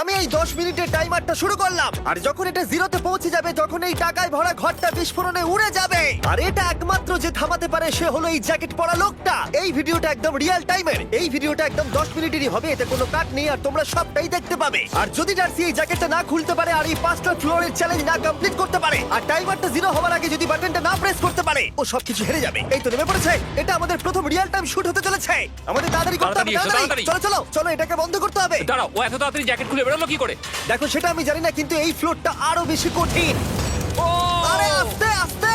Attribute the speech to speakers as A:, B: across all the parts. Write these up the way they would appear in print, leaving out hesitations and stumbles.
A: আমি এই 10 মিনিটের টাইমারটা শুরু করলাম, আর যখন এটা জিরোতে পৌঁছে যাবে তখন এই টাকায় ভরা ঘরটা বিস্ফোরণে উড়ে যাবে। আর এটা একমাত্র যে থামাতে পারে সে হলো এই জ্যাকেট পরা লোকটা। এই ভিডিওটা একদম রিয়েল টাইমের, এই ভিডিওটা একদম 10 মিনিটেরই হবে, এতে কোনো কাট নেই আর তোমরা সবটাই দেখতে পাবে। আর যদি ডার্সি এই জ্যাকেটটা না খুলতে পারে আর এই 5টা ফ্লোরের চ্যালেঞ্জ না কমপ্লিট করতে পারে আর টাইমারটা জিরো হওয়ার আগে যদি বাটনটা না প্রেস করতে পারে, ও সবকিছু হেরে যাবে। এই তো নেমে পড়েছে, এটা আমাদের প্রথম রিয়েল টাইম শুট হতে চলেছে। আমাদের তাড়াতাড়ি করতে হবে,
B: তাড়াতাড়ি।
A: চলো চলো চলো, এটাকে বন্ধ করতে হবে।
B: দাঁড়াও, ও এত তাড়াতাড়ি জ্যাকেট খুলে বেরোলো কি করে?
A: দেখো সেটা আমি জানি না, কিন্তু এই ফ্লোরটা আরো বেশি কঠিন।
B: ও
A: আরে আস্তে আস্তে।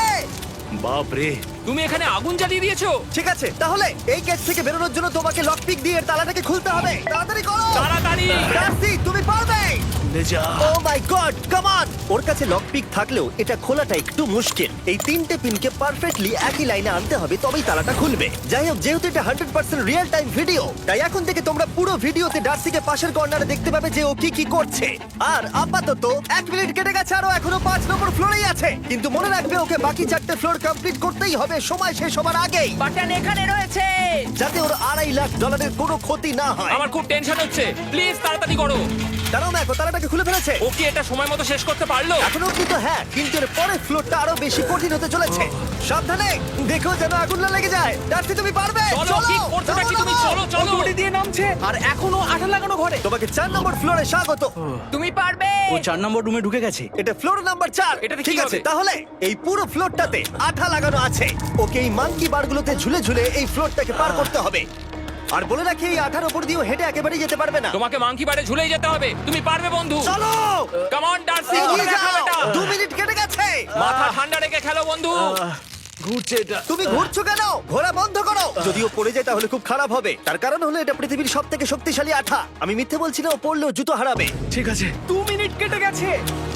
C: বাপ রে,
B: তুমি এখানে আগুন জ্বালিয়ে দিয়েছো।
A: ঠিক আছে, তাহলে এই গেট থেকে বেরোনোর জন্য তোমাকে লক পিক দিয়ে এর তালাটাকে খুলতে হবে। তাড়াতাড়ি করো।
B: তাড়াতাড়ি।
A: ডার্সি তুমি পারবে।
C: যা।
A: ও মাই গড, কাম অন। ওর কাছে লক পিক থাকলেও এটা খোলাটা একটু মুশকিল। এই 3টে পিনকে পারফেক্টলি একই লাইনে আনতে হবে, তবেই তালাটা খুলবে। যাই হোক, যেহেতু এটা 100% রিয়েল টাইম ভিডিও, তাই এখন থেকে তোমরা পুরো ভিডিওতে ডার্সিকে পাশের কর্নারে দেখতে পাবে যে ও কি কি করছে। আর আপাতত 1 মিনিট কেটে গেছে, আরো এখনো 5 নম্বর ফ্লোরেই আছে। কিন্তু মনে রাখবে ওকে বাকি 4টে ফ্লোর কমপ্লিট করতেই হবে সময় শেষ হবার আগেই,
D: বাটন এখানে রয়েছে।
A: যাতে ওর $2.5 লাখ কোনো ক্ষতি না হয়।
B: আমার খুব টেনশন হচ্ছে, প্লিজ তাড়াতাড়ি করো।
A: কারণ দেখো তালাটাকে খুলে ফেলেছে।
B: ও কি এটা সময় মতো শেষ করতে পারলো?
A: এখনো কিন্তু হ্যাঁ, কিন্তু এর পরের ফ্লোরটা আরো বেশি কঠিন হতে চলেছে। সাবধানে, দেখো যেন আগুন না লেগে যায়। ডার্সি তুমি পারবে।
B: চলো, কি করছোটা কি তুমি? চলো চলো।
D: দড়ি দিয়ে নামছে আর এখনো আঠা লাগানো ঘরে।
A: তোমাকে 4 নম্বর ফ্লোরে স্বাগত।
D: তুমি পারবে।
C: ও 4 নম্বর রুমে ঢুকে গেছে।
A: এটা ফ্লোর নাম্বার 4।
B: এটাতে কি
A: ঠিক আছে,
B: হবে?
A: তাহলে এই পুরো ফ্লোরটাতে আঠা লাগানো আছে। ওকে এই মাঙ্কি বারগুলোতে ঝুলে ঝুলে এই ফ্লোরটাকে পার করতে হবে। আর বলে রাখি, এই আঠার উপর দিয়েও হেঁটে একেবারেই যেতে পারবে না।
B: তোমাকে মাংকি বারে ঝুলেই যেতে হবে। তুমি পারবে বন্ধু।
A: চলো
B: কাম অন ডার্সি,
A: এগিয়ে
B: করে দেখাও
A: যাও।
B: এটা।
A: 2 মিনিট কেটে গেছে।
B: মাথা ঠান্ডা রেখে খেলো বন্ধু।
C: ঘুরছে এটা।
A: তুমি ঘুরছো কেন? ঘোরা বন্ধ করো। যদিও পড়ে যায় তাহলে খুব খারাপ হবে। তার কারণ হলো এটা পৃথিবীর সবথেকে শক্তিশালী আঠা। আমি মিথ্যে বলছি না, ও পড়লেও জুতো হারাবে।
C: ঠিক আছে।
D: 2 মিনিট কেটে গেছে।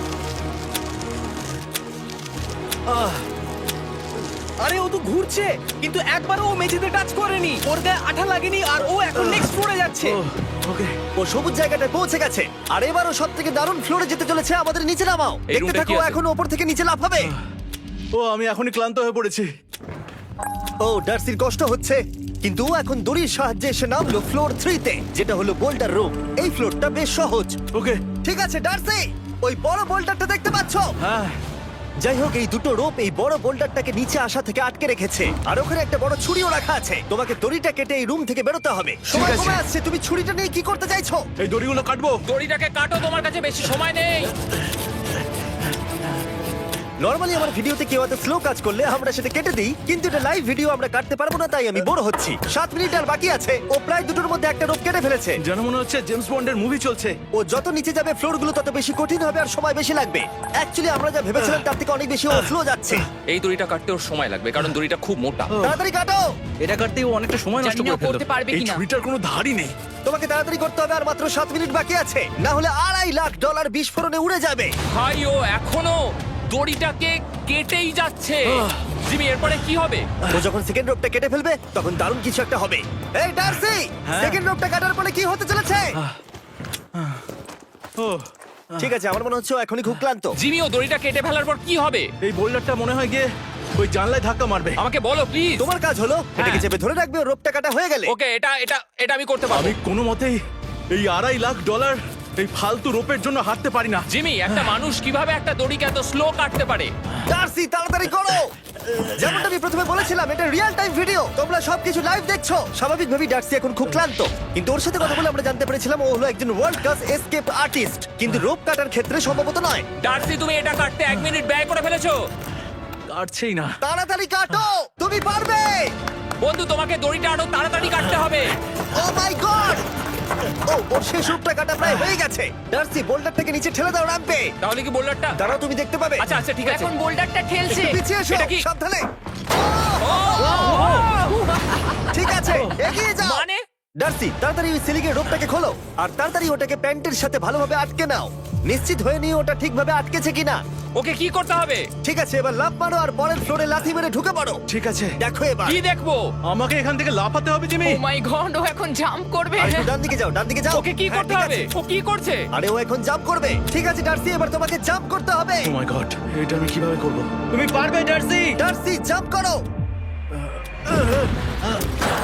D: আরে ও তো ঘুরছে, কিন্তু একবারও ও মেঝেতে টাচ করেনি। ওর গায়ে আঠা লাগেনি আর ও এখন নেক্সট ফ্লোরে যাচ্ছে।
C: ওকে।
A: ও সবুজ জায়গাটায় পৌঁছে গেছে। আর এবারও সব থেকে দারুণ ফ্লোরে যেতে চলেছে। আমাদের নিচে নামাও।
B: এই
A: দেখতে
B: রুমটা
A: থাকো,
B: কি আছে?
A: এখন ওপর থেকে নিচে লাফাবে।
C: ও আমি এখনই ক্লান্ত হয়ে পড়েছি।
A: ও ডার্সির কষ্ট হচ্ছে, কিন্তু ও এখন দড়ির সাহায্যে এসে নামলো ফ্লোর 3 তে, যেটা হলো বোল্ডার রুম। এই ফ্লোরটা বেশ সহজ।
C: ওকে।
A: ঠিক আছে ডার্সি, ওই বড় বোল্ডারটা দেখতে পাচ্ছো?
C: হ্যাঁ।
A: যাই হোক, এই দুটো রোপ এই বড় বোল্ডারটাকে নিচে আসা থেকে আটকে রেখেছে। আর ওখানে একটা বড় ছুরিও রাখা আছে। তোমাকে দড়িটা কেটে এই রুম থেকে বেরোতে হবে। সময়
C: আছে।
A: কমে আসছে, তুমি ছুরিটা নিয়ে কি করতে চাইছো?
C: এই দড়িগুলো কাটবো।
B: দড়িটাকে কাটো, তোমার কাছে বেশি সময় নেই।
A: নরমালি আমার ভিডিওতে কেউ এত স্লো কাজ করলে আমরা সেটা কেটে দিই, কিন্তু এটা লাইভ ভিডিও আমরা কাটতে পারবো না, তাই আমি বোর হচ্ছি। 7 মিনিট আর বাকি আছে। ও প্রায় দুটোর মধ্যে একটা রোপ কেটে ফেলেছে।
C: যেন মনে হচ্ছে জেমস বন্ডের মুভি চলছে।
A: ও যত নিচে যাবে ফ্লোরগুলো তত বেশি কঠিন হবে আর সময় বেশি লাগবে। অ্যাকচুয়ালি আমরা যা ভেবেছিলাম তার থেকে অনেক বেশি ও স্লো যাচ্ছে।
B: এই দড়িটা কাটতে ওর সময় লাগবে, কারণ দড়িটা খুব মোটা।
A: তাড়াতাড়ি কাটো।
C: এটা কাটতে ও অনেকটা সময় নষ্ট
D: জানি না
C: করে ফেললো।
D: করতে পারবে
C: এই
D: কিনা।
C: ছুরিটার কোনো ধারই নেই।
A: তোমাকে তাড়াতাড়ি করতে হবে, আর মাত্র 7 মিনিট বাকি আছে, না হলে $2.5 লাখ বিস্ফোরণে উড়ে যাবে।
B: ভাই ও এখনো দড়িটাকে কেটেই যাচ্ছে। জিমি, এরপরে কি হবে?
A: ও যখন সেকেন্ড রোপটা কেটে ফেলবে তখন দারুণ কিছু একটা হবে। এই ডার্সি,
C: হ্যাঁ?
A: সেকেন্ড রোপটা কাটার পরে কি হতে চলেছে?
C: ও
A: ঠিক আছে, আমার মনে হচ্ছে ও এখনই খুব ক্লান্ত।
B: জিমি, ও দড়িটা কেটে ফেলার পর কি হবে?
C: এই বোল্ডারটা মনে হয় গিয়ে ওই জানলায় ধাক্কা মারবে।
B: আমাকে বলো প্লিজ।
A: তোমার কাজ হলো এটাকে চেপে ধরে রাখবে, ও রোপটা কাটা হয়ে গেলে।
B: ওকে, এটা এটা এটা আমি করতে পারবো।
C: আমি কোনো মতেই এই $2.5 লাখ এই ফালতু রোপের জন্য হাঁটতে পারি না।
B: জিমি, একটা মানুষ কিভাবে একটা দড়িকে এত স্লো কাটতে পারে?
A: ডার্সি তাড়াতাড়ি করো। যেমনটা আমি প্রথমে বলেছিলাম, এটা রিয়েল টাইম ভিডিও, তোমরা সবকিছু লাইভ দেখছো। স্বাভাবিকভাবেই ডার্সি এখন খুব ক্লান্ত, কিন্তু ওর সাথে কথা বলে আমরা জানতে পেরেছিলাম ও হলো একজন ওয়ার্ল্ড ক্লাস এসকেপ আর্টিস্ট, কিন্তু রোপ কাটার ক্ষেত্রে সম্ভবত নয়।
B: ডার্সি, তুমি এটা কাটতে 1 মিনিট ব্যয় করে ফেলেছো।
C: কাটছেই না।
A: তাড়াতাড়ি কাটো, তুমি পারবে।
B: বন্ধু, তোমাকে দড়িটা আরো তাড়াতাড়ি কাটতে হবে।
A: ও মাই গড! ও ওর শেষ রূপটা কাটা প্রায় হয়ে গেছে। ডার্সি, বোল্ডারটাকে নিচে ঠেলে দাও রাম্পে।
B: তাহলে কি বোল্ডারটা?
A: দাঁড়াও, তুমি দেখতে পাবে।
B: আচ্ছা আচ্ছা, ঠিক আছে।
D: এখন বোল্ডারটা ঠেলছে।
A: একটু পিছিয়ে এসো,
B: এটা কি?
A: সাবধানে।
B: ও,
A: ঠিক আছে, এগিয়ে যাও।
B: মানে?
A: ডার্সি, তাড়াতাড়ি ওই সিলিংয়ের রোপটাকে খোলো আর তাড়াতাড়ি ওটাকে প্যান্টের সাথে ভালোভাবে আটকে নাও। নিশ্চিত হয়ে নিও ওটা ঠিকভাবে আটকেছে কিনা।
B: ওকে কি করতে হবে?
A: ঠিক আছে, এবার লাফ মারো আর পরের ফ্লোরে লাথি মেরে ঢুকে পড়ো।
C: ঠিক আছে।
A: দেখো এবার।
B: কি দেখবো?
C: আমাকে এখান থেকে লাফাতে হবে জিমি।
D: ও মাই গড, ও এখন জাম্প করবে।
A: আর একটু ডান দিকে যাও, ডান দিকে যাও।
B: ওকে কি
A: হ্যাঁ,
B: করতে
A: ঠিক
B: হবে?
A: আছে।
B: ও কি করছে?
A: আরে ও এখন জাম্প করবে। ঠিক আছে ডার্সি, এবার তোমাকে জাম্প করতে হবে।
C: ও মাই গড, এটা আমি কিভাবে করব? তুমি পারবে ডার্সি।
A: ডার্সি, জাম্প করো।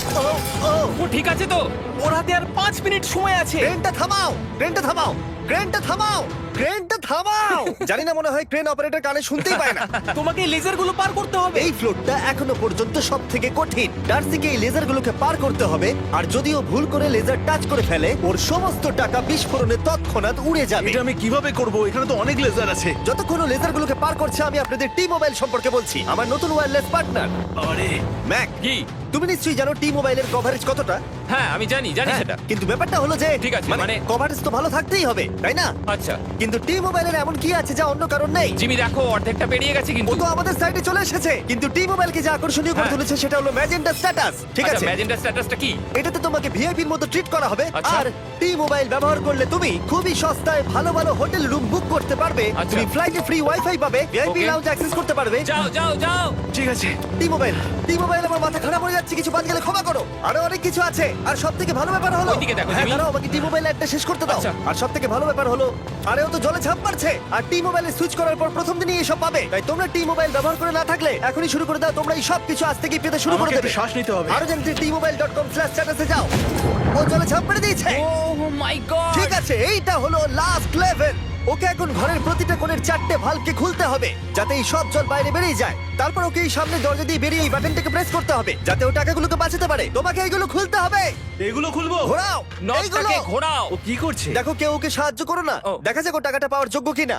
A: ও ও
B: ও ঠিক আছে তো?
D: ওর হাতে আর 5 মিনিট সময় আছে।
A: ক্রেনটা থামাও, ক্রেনটা থামাও, ক্রেনটা থামাও, ক্রেনটা থামাও। জানি না, মনে হয় ক্রেন অপারেটর কানে শুনতেই পায় না।
D: তোমাকে লেজারগুলো পার করতে হবে।
A: এই ফ্লোরটা এখনো পর্যন্ত সব থেকে কঠিন। ডার্সিকে এই লেজারগুলোকে পার করতে হবে, আর যদিও ভুল করে লেজার টাচ করে ফেলে, ওর সমস্ত টাকা বিস্ফোরণে তৎক্ষণাৎ উড়ে যাবে।
C: এটা আমি কিভাবে করব? এখানে তো অনেক লেজার আছে।
A: যতক্ষণ ও লেজারগুলোকে পার করছে, আমি আপনাদের টি মোবাইল সম্পর্কে বলছি, আমার নতুন ওয়্যারলেস পার্টনার
C: আরে
A: ম্যাক।
B: কি?
A: তুমি নিশ্চয়ই জানো টি মোবাইলের কভারেজ কতটা।
B: হ্যাঁ আমি জানি
A: হ্যাঁ,
B: সেটা।
A: কিন্তু ব্যাপারটা হলো যে
B: ঠিক আছে,
A: মানে
B: মানে-
A: কভারেজ তো ভালো থাকতেই হবে, তাই না?
B: আচ্ছা
A: কিন্তু টি মোবাইলের এমন কি আছে যা অন্য কারণ নেই?
B: জিমি দেখো অর্ধেকটা পেরিয়ে গেছে
A: ও
B: কিন্তু।
A: তো আমাদের সাইডে চলে এসেছে, কিন্তু টি মোবাইলকে যে আকর্ষণীয় করে
B: হ্যাঁ।
A: তুলেছে সেটা হলো ম্যাজেন্টা স্ট্যাটাস। ঠিক আছে,
B: ম্যাজেন্টা স্ট্যাটাসটা কি?
A: এটাতে তোমাকে ভিআইপির মতো ট্রিট করা হবে।
B: আচ্ছা।
A: আর টি মোবাইল ব্যবহার করলে তুমি খুবই সস্তায় ভালো ভালো হোটেল রুম বুক করতে পারবে।
B: আচ্ছা।
A: তুমি ফ্লাইটে ফ্রি ওয়াইফাই পাবে, ভিআইপি
B: Okay.
A: লাউঞ্জ অ্যাক্সেস করতে পারবে।
B: যাও যাও যাও।
C: ঠিক আছে।
A: টি মোবাইল, টি মোবাইল, আমার মাথা খারাপ হয়ে যাচ্ছে, কিছু বাদ গেলে ক্ষমা করো। আরো অনেক কিছু আছে, আর সব থেকে ভালো ব্যাপার হলো,
B: ওইদিকে দেখো,
A: হ্যাঁ
B: জিমি।
A: দাঁড়াও, আমাকে টি মোবাইল একটা শেষ করতে দাও।
B: আচ্ছা।
A: আর সব থেকে ভালো ব্যাপার হলো, আরে ও তো জলে ঝাঁপ মারছে, আর টি মোবাইলে সুইচ করার পর প্রথম দিনই এসব পাবে। তাই তোমরা টি মোবাইল ব্যবহার করে না থাকলে এখনই শুরু করে দাও। তোমরা এই সব কিছু আজ থেকেই পেতে শুরু করে
C: আমাকে
A: দেবে।
C: একটু শ্বাস নিতে হবে।
A: আরো জানতে tmobile.com/status এ যাও। ও জলে ঝাঁপ মেরে দিয়েছে।
B: Oh my god.
A: ঠিক আছে, এইটা হলো লাস্ট লেভেল। ওকে এখন ঘরের প্রতিটা কোণের 4টে ভালভকে খুলতে হবে, যাতে এই সব জল বাইরে বেরিয়ে যায়। তারপর ওকে এই সামনে দরজা দিয়ে বেরিয়ে এই বাটনটাকে প্রেস করতে হবে, যাতে ও টাকাগুলোকে বাঁচাতে পারে। তোমাকে এইগুলো খুলতে হবে।
C: এগুলো খুলবো?
A: ঘোরাও এইগুলো।
B: নটটাকে ঘোরাও।
C: ও কি করছে?
A: দেখো কেউ ওকে সাহায্য করো না,
B: ও।
A: দেখা যাক ও টাকাটা পাওয়ার যোগ্য কিনা।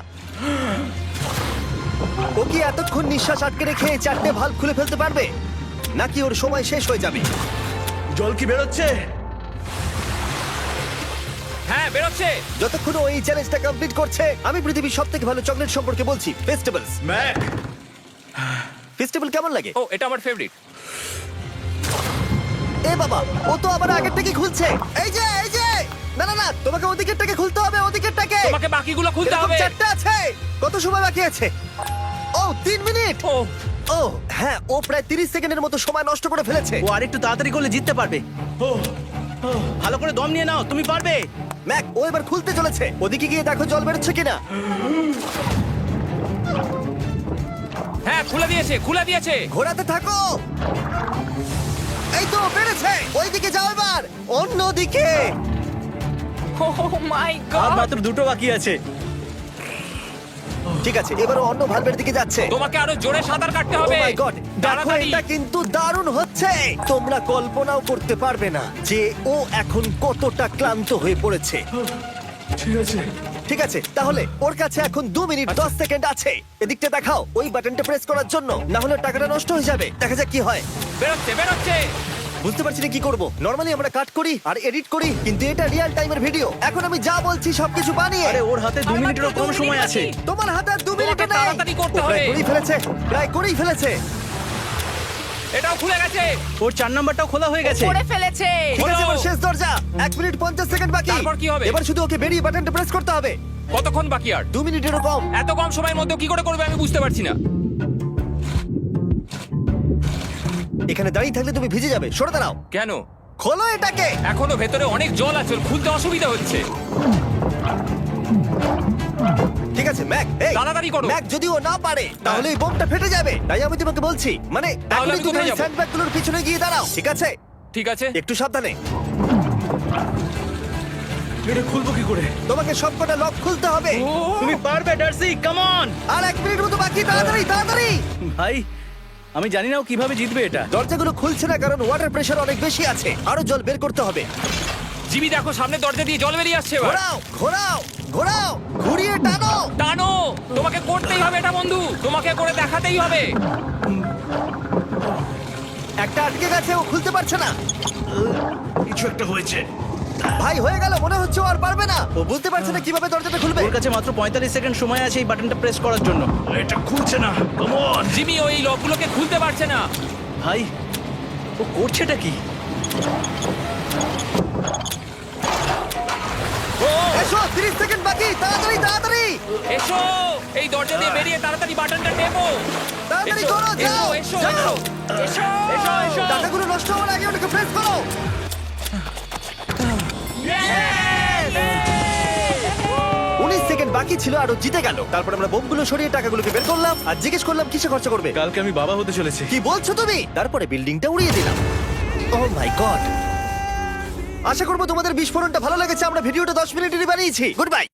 A: ও কি এতক্ষণ নিঃশ্বাস আটকে রেখে এই 4টে ভালভ খুলে ফেলতে পারবে, নাকি ওর সময় শেষ হয়ে যাবে?
C: জল কি বেরোচ্ছে?
B: হ্যাঁ বেরোচ্ছে।
A: যতক্ষণ ও এই চ্যালেঞ্জটা কমপ্লিট করছে, আমি পৃথিবীর সবথেকে ভালো চকলেট সম্পর্কে বলছি, ফেস্টিভ্যালস।
C: ম্যাক,
A: ফেস্টিভ্যাল কেমন লাগে?
B: ও এটা আমার ফেভারিট।
A: এ বাবা, ও তো আবার আগের থেকে খুলছে। এই যে এই যে, না না না, তোমাকে ওদিকেরটাকে খুলতে হবে, ওদিকেরটাকে।
B: তোমাকে বাকিগুলো খুলতে
A: এরকম
B: হবে।
A: 4টা আছে। কত সময় বাকি আছে? ও 3 মিনিট।
B: ও
A: ও হ্যাঁ, ও প্রায় 30 সেকেন্ডের মতো সময় নষ্ট করে ফেলেছে।
D: ও আরেকটু তাড়াতাড়ি করলে জিততে পারবে। ভালো করে দম নিয়ে নাও, তুমি পারবে।
A: ম্যাক, ও এবার খুলতে চলেছে। ওদিকে গিয়ে দেখো জল বেরোচ্ছে কিনা।
B: হ্যাঁ খুলে দিয়েছে, খুলে দিয়েছে।
A: ঘোরাতে থাকো। এই তো বেড়েছে। ওইদিকে যাও এবার, অন্যদিকে।
B: ও মাই
D: আর
B: গড।
D: মাত্র 2টো বাকি আছে।
A: ঠিক আছে, এবার ও অন্য ভালভের দিকে যাচ্ছে।
B: তোমাকে আরো জোরে সাঁতার কাটতে
A: ও
B: হবে।
A: মাই গড, দেখো
B: তাড়াতাড়ি।
A: এটা কিন্তু দারুণ হচ্ছে। তোমরা কল্পনাও করতে পারবে না যে ও এখন কতটা ক্লান্ত হয়ে পড়েছে।
C: ঠিক আছে।
A: ঠিক আছে, তাহলে ওর কাছে এখন 2 মিনিট 10 সেকেন্ড আছে। এদিকটা দেখাও ওই বাটনটা প্রেস করার জন্য, না হলে টাকাটা নষ্ট হয়ে যাবে। দেখা যাক কি হয়।
B: বেরোচ্ছে বেরোচ্ছে।
A: বুঝতে পারছি না কি করব। নরমালি আমরা কাট করি আর এডিট করি, কিন্তু এটা রিয়েল টাইমের ভিডিও। এখন আমি যা বলছি সবকিছু বানিয়ে।
D: আরে ওর হাতে 2 মিনিটেরও কম সময় আছে।
A: তোমার হাতে আর 2 মিনিট
B: তোমাকে
A: নেই।
B: তাড়াতাড়ি করতে
A: ও প্রায়
B: হবে।
A: করেই ফেলেছে, প্রায় করেই ফেলেছে।
B: এটাও খুলে গেছে।
D: ওর 4 নাম্বারটাও খোলা হয়ে গেছে।
B: করে ফেলেছে।
A: ঠিক আছে,
B: হলো।
A: এবার শেষ দরজা। 1 মিনিট 50 সেকেন্ড বাকি।
B: তারপর কি হবে?
A: এবার শুধু ওকে বেরিয়ে বাটনটা প্রেস করতে হবে।
B: কতক্ষণ বাকি আর?
A: 2 মিনিটেরও কম।
B: এত কম সময়ের মধ্যে কি করে করবে আমি বুঝতে পারছি না।
A: এখানে দাঁড়িয়ে থাকলে তুমি ভিজে যাবে, সরে দাঁড়াও।
B: কেন?
A: খোলো এটাকে।
B: এখনো ভেতরে অনেক জল আছে, ওর খুলতে অসুবিধা হচ্ছে।
A: ঠিক আছে ম্যাক, এই
B: তাড়াতাড়ি করো।
A: ম্যাক, যদি ও না পারে তাহলে এই বোমটা ফেটে যাবে। তাই আমি তোমাকে বলছি, মানে
B: তাহলে
A: এখনই
B: আমি
A: তুমি
B: কোথায়
A: ওই
B: যাবো?
A: স্যান্ডব্যাগগুলোর পিছনে গিয়ে দাঁড়াও, ঠিক আছে?
B: ঠিক আছে।
A: একটু সাবধানে।
C: এটা খুলবো কি করে?
A: তোমাকে সবকটা লক খুলতে হবে।
D: তুমি পারবে ডার্সি, কাম অন।
A: আর 1 মিনিট মতো বাকি, তাড়াতাড়ি তাড়াতাড়ি।
D: ভাই আমি জানি না ও কিভাবে জিতবে এটা।
A: দরজাগুলো খুলছে না কারণ ওয়াটার প্রেশার অনেক বেশি আছে। আরো জল বের করতে হবে।
B: জিমি দেখো সামনে দরজা দিয়ে জল বেরিয়ে আসছে এবার।
A: ঘোরাও ঘোরাও ঘোরাও, ঘুরিয়ে টানো।
B: টানো। তোমাকে করতেই হবে এটা বন্ধু, তোমাকে করে দেখাতেই হবে।
A: একটা আটকে গেছে, ও খুলতে পারছে না।
C: কিছু একটা হয়েছে।
A: ভাই হয়ে গেল, মনে হচ্ছে ও আর পারবে না। ও বুঝতে পারছে না কিভাবে দরজাটা খুলবে।
D: ওর কাছে মাত্র 45 সেকেন্ড সময় আছে এই বাটনটা প্রেস করার জন্য।
C: এটা খুলছে না। Come on.
B: জিমি ওই লকগুলোকে খুলতে পারছে না।
D: ভাই ও করছেটা কি?
B: ও
A: এসো, 30 সেকেন্ড বাকি, তাড়াতাড়ি তাড়াতাড়ি
B: এসো, এই দরজা দিয়ে বেরিয়ে তাড়াতাড়ি বাটনটা টেপো।
A: তাড়াতাড়ি
B: এসো,
A: করো, যাও
B: এসো,
A: যাও।
B: এসো, এসো, এসো, এসো।
A: টাকাগুলো নষ্ট হওয়ার আগে ওটাকে প্রেস করো। 19 সেকেন্ড বাকি ছিল আর ও জিতে গেল। তারপর আমরা বোমগুলো সরিয়ে টাকাগুলোকে বের করলাম আর জিজ্ঞেস করলাম কিসে খরচা করবে।
C: কালকে আমি বাবা হতে চলেছি।
A: কি বলছো তুমি? তারপরে বিল্ডিংটা উড়িয়ে দিলাম। ও মাই গড, আশা করবো তোমাদের বিস্ফোরণটা ভালো লেগেছে। আমরা ভিডিওটা 10 মিনিটেরই বানিয়েছি। Good by.